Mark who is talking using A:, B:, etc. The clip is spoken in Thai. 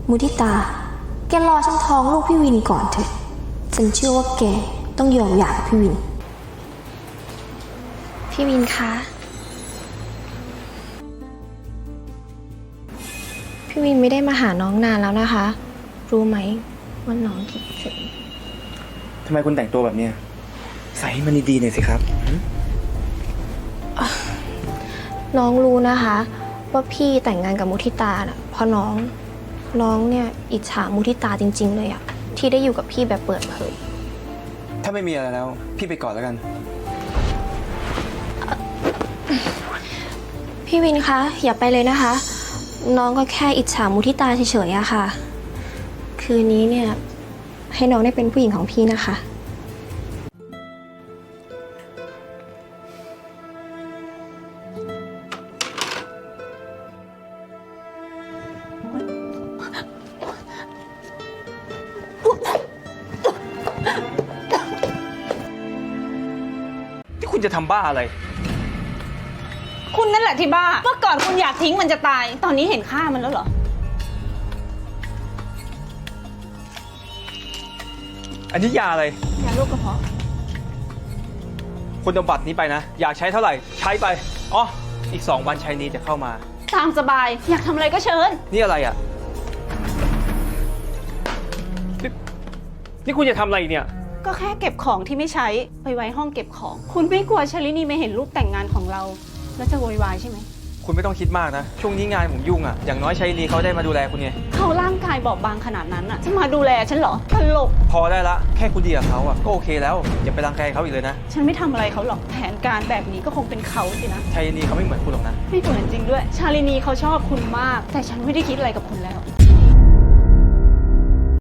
A: มุทิตาแกรอฉันท้องลูกพี่วินก่อนเถอะฉันเชื่อว่าแกต้องยอมหย่ากับพี่วินพี่วินคะพี่วินไม่ได้มาหาน้องนานแล้วนะคะรู้ไหมว่าน้องคิดถึง
B: ทำไมคุณแต่งตัวแบบนี้ใส่ให้มันดีๆหน่อยสิครับ
A: น้องรู้นะคะว่าพี่แต่งงานกับมุทิตาน่ะเพราะน้องเนี่ยอิจฉามุทิตาจริงๆเลยอะที่ได้อยู่กับพี่แบบเปิดเผย
B: ถ้าไม่มีอะไรแล้วพี่ไปก่อนแล้วกัน
A: พี่วินคะอย่าไปเลยนะคะน้องก็แค่อิจฉามุทิตาเฉยๆอะค่ะคืนนี้เนี่ยให้น้องได้เป็นผู้หญิงของพี่นะคะ
B: ที่คุณจะทำบ้าอะไร
C: คุณนั่นแหละที่บ้าเมื่อก่อนคุณอยากทิ้งมันจะตายตอนนี้เห็นค่ามันแล้วเหรอ
B: อันนี้ยาอะไร
C: ยาโรคกระเพาะ
B: คุณเอาบัตรนี้ไปนะอยากใช้เท่าไหร่ใช้ไปอ๋ออีก2 วันชัยนีจะเข้ามา
C: ตามสบายอยากทำอะไรก็เชิญ
B: นี่อะไรอ่ะนี่คุณจะทำอะไรเนี่ย
C: ก็แค่เก็บของที่ไม่ใช้ไปไว้ห้องเก็บของคุณไม่กลัวชลินีไม่เห็นรูปแต่งงานของเราแล้วจะโวยวายใช่ไหม
B: คุณไม่ต้องคิดมากนะช่วงนี้งานผมยุ่งอ่ะอย่างน้อยชัยนีเขาได้มาดูแลคุณไง
C: เขาร่างกายบอบบางขนาดนั้นอ่ะจะมาดูแลฉันเหรอตลก
B: พอได้ละแค่คุณดีกับเขาอ่ะก็โอเคแล้วอย่าไปรังแกเขาอีกเลยนะ
C: ฉันไม่ทำอะไรเขาหรอกแผนการแบบนี้ก็คงเป็นเขาสินะ
B: ชัยนีเขาไม่เหมือนคุณหรอกนะ
C: ไม่เหมือนจริงด้วยชาลินีเขาชอบคุณมากแต่ฉันไม่ได้คิดอะไรกับคุณแล้ว